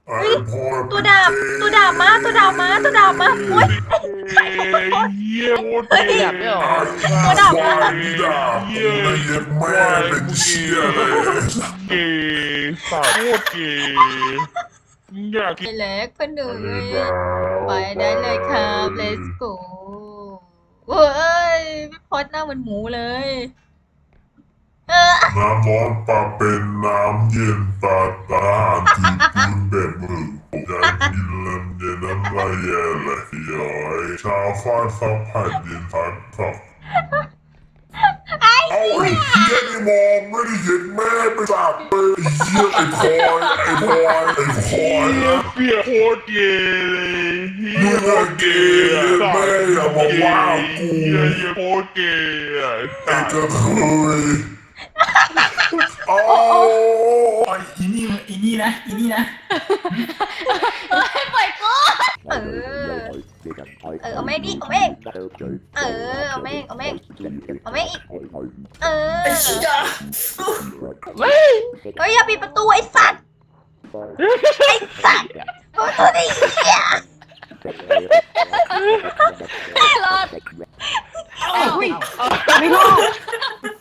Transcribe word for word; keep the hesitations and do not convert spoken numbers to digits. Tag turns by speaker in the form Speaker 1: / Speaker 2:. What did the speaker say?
Speaker 1: ไอ้พ่อ
Speaker 2: ตัวดาบตัวดาบมาตัวดาบมาตัวดาบมาโอ้ย
Speaker 3: เยี่ยโคตร
Speaker 2: เฮ้ย
Speaker 3: เก๋
Speaker 4: แบบด้วยเหรอ
Speaker 2: ตัวดาบ
Speaker 1: ควา
Speaker 2: มา
Speaker 1: ยด่ากูไม่เย็ดแม่เป็นเชี่ยเลย
Speaker 3: เก๋สาวโคตรเก๋อยาก
Speaker 2: ไปเล็กก็หนูไปได้เลยครับ let's go เว้ยพี่พอดหน้าเหมือนหมูเลยเออ
Speaker 1: น้ำร้อนปลาเป็นน้ำเย็นตาตาที่ปืนแบบมืออยากกินลำเย็นน้ำลายแย่เลยย้อยชาวฟ้าสับผัดเย็นพัดสับเอาไอ้เหี้ยนี่มองไม่ได้เห็นแม่ไปสับไปไอ้เหี้ยไอ้พลอยไอ้พลอยไอ้พลอยนะ
Speaker 3: เปียโคตรเก๋เลย
Speaker 1: มึงอะเกย์แม่อย่ามาว่ากู
Speaker 3: เยี่ยโคตรเก๋
Speaker 1: ไอ้กระเทยโอ้
Speaker 5: โอ้ยอีนี่อีนี่นะอีนี่นะ
Speaker 2: ปล่อยกูเออเออเอาแม่งดิเอาแม่งเออเอาแม่งเอาแม่งเอาแม่งอีกเออ
Speaker 5: ไอ้เชี่ย
Speaker 2: เฮ้ยอย่าปิดประตูไอ้สัตว์ไอ้สัตว์โอ้ตัวนี้เหี้ยรอด
Speaker 5: เอ้าไม่รอด